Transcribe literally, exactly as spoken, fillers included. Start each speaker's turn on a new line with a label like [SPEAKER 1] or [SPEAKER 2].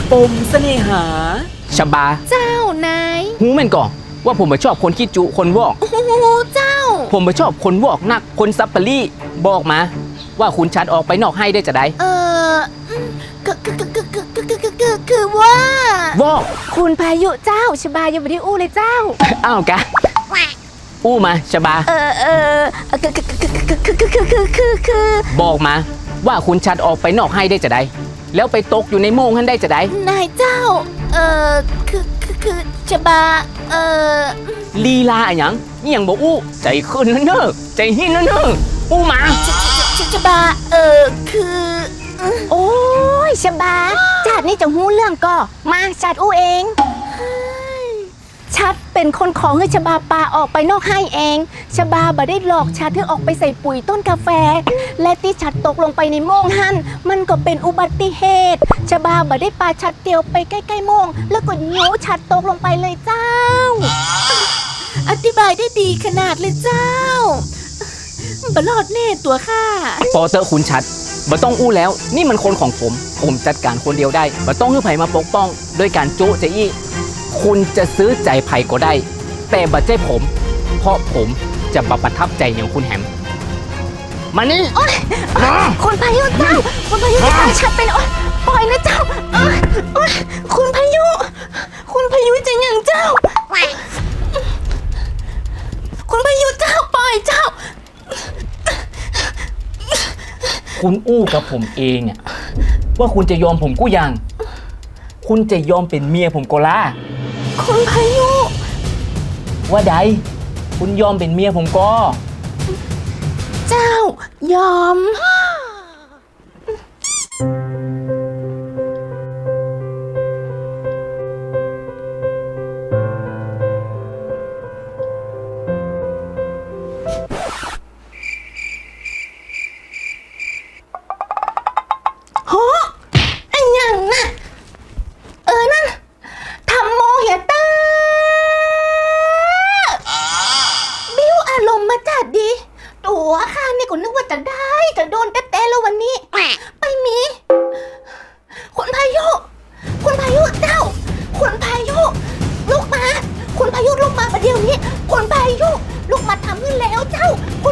[SPEAKER 1] ปมเสน่หาชบา
[SPEAKER 2] เจ้านาย
[SPEAKER 1] หูแม่นก่อนว่าผมไม่ชอบคนขี้จุคนวอก
[SPEAKER 2] โอ้โหเจ้า
[SPEAKER 1] ผมไม่ชอบคนวอกนักคนซับปะรี่บอกมา ว่าคุณชัดออกไปนอกให้ได้จะได้
[SPEAKER 2] เอออืมคือคือคือคือคือคือคือคือคือว่าว
[SPEAKER 1] อก
[SPEAKER 2] คุณพายุเจ้าชบายังไม่ได้อู้เลยเจ้า
[SPEAKER 1] อ้าวกะอู้มาชบา
[SPEAKER 2] เออเออคือคือคือคือคือคือคือคือคือ
[SPEAKER 1] บอกมา ว่าคุณชัดออกไปนอกให้ได้จะได้ แล้วไปตกอยู่ในโมงท่านได้จะได้
[SPEAKER 2] นายเจ้า เออคือคือคือชบา เออ
[SPEAKER 1] ลีลาอะหยังนี่ยังบอกอู้ใจขึ้นนะเนอะใจหินนะเนอะอู้มา
[SPEAKER 2] ชชบา เออคือ โอ้ยชบาจัดนี่จะหู้เรื่องก็มาจัดอู้เอง ชัดเป็นคนของให้ชบาปาออกไปนอกให้เองชบาบ่ได้หลอกชัดให้ออกไปใส่ปุ๋ยต้นกาแฟ และที่ชัดตกลงไปในโม่งหั่นมันก็เป็นอุบัติเหตุชบาบ่ได้ปาชัดเตียวไปใกล้ๆโม่งแล้วก็โยชัดตกลงไปเลยเจ้า อธิบายได้ดีขนาดเลยเจ้าบลอดแน่ตัวข้า
[SPEAKER 1] พอเตอร์คุณชัดบ่ต้องอู้แล้ว นี่มันคนของผม ผมจัดการคนเดียวได้บ่ต้องให้ไผมาปกป้องโดยการโจ๊ะเจะอี้คุณจะซื้อใจไผก็ได้ แต่บ่ใจผม เพราะผมจะบ่ประทับใจอย่างคุณแฮมมานี่มา
[SPEAKER 2] คุณพายุเจ้าคุณพายุจะพาชัดไปนะโอ๊ยปล่อยนะเจ้าโอ๊ยโอ๊ยคุณพายุ คุณพายุจะอย่างเจ้า คุณพายุเจ้าปล่อยเจ้า
[SPEAKER 1] คุณอู้กับผมเองอะว่าคุณจะยอมผมกู้ยัง คุณจะยอมเป็นเมียผมก็ล่ะ
[SPEAKER 2] คุณพายุ
[SPEAKER 1] ว่าใดคุณยอมเป็นเมียผมก็
[SPEAKER 2] เจ้ายอม โหไอ้ยังน่ะ เออ นั่นทำโมเฮเตอร์บิ้วอารมณ์มาจัดดี ตัวข้านี่ก็นึกว่าจะได้ จะโดนเต้ๆแล้ววันนี้ ไปมี คุณพายุ คุณพายุเจ้า คุณพายุลุกมา คุณพายุลุกมาประเดี๋ยวนี้ คุณพายุลุกมาทำขึ้นแล้วเจ้า คุณ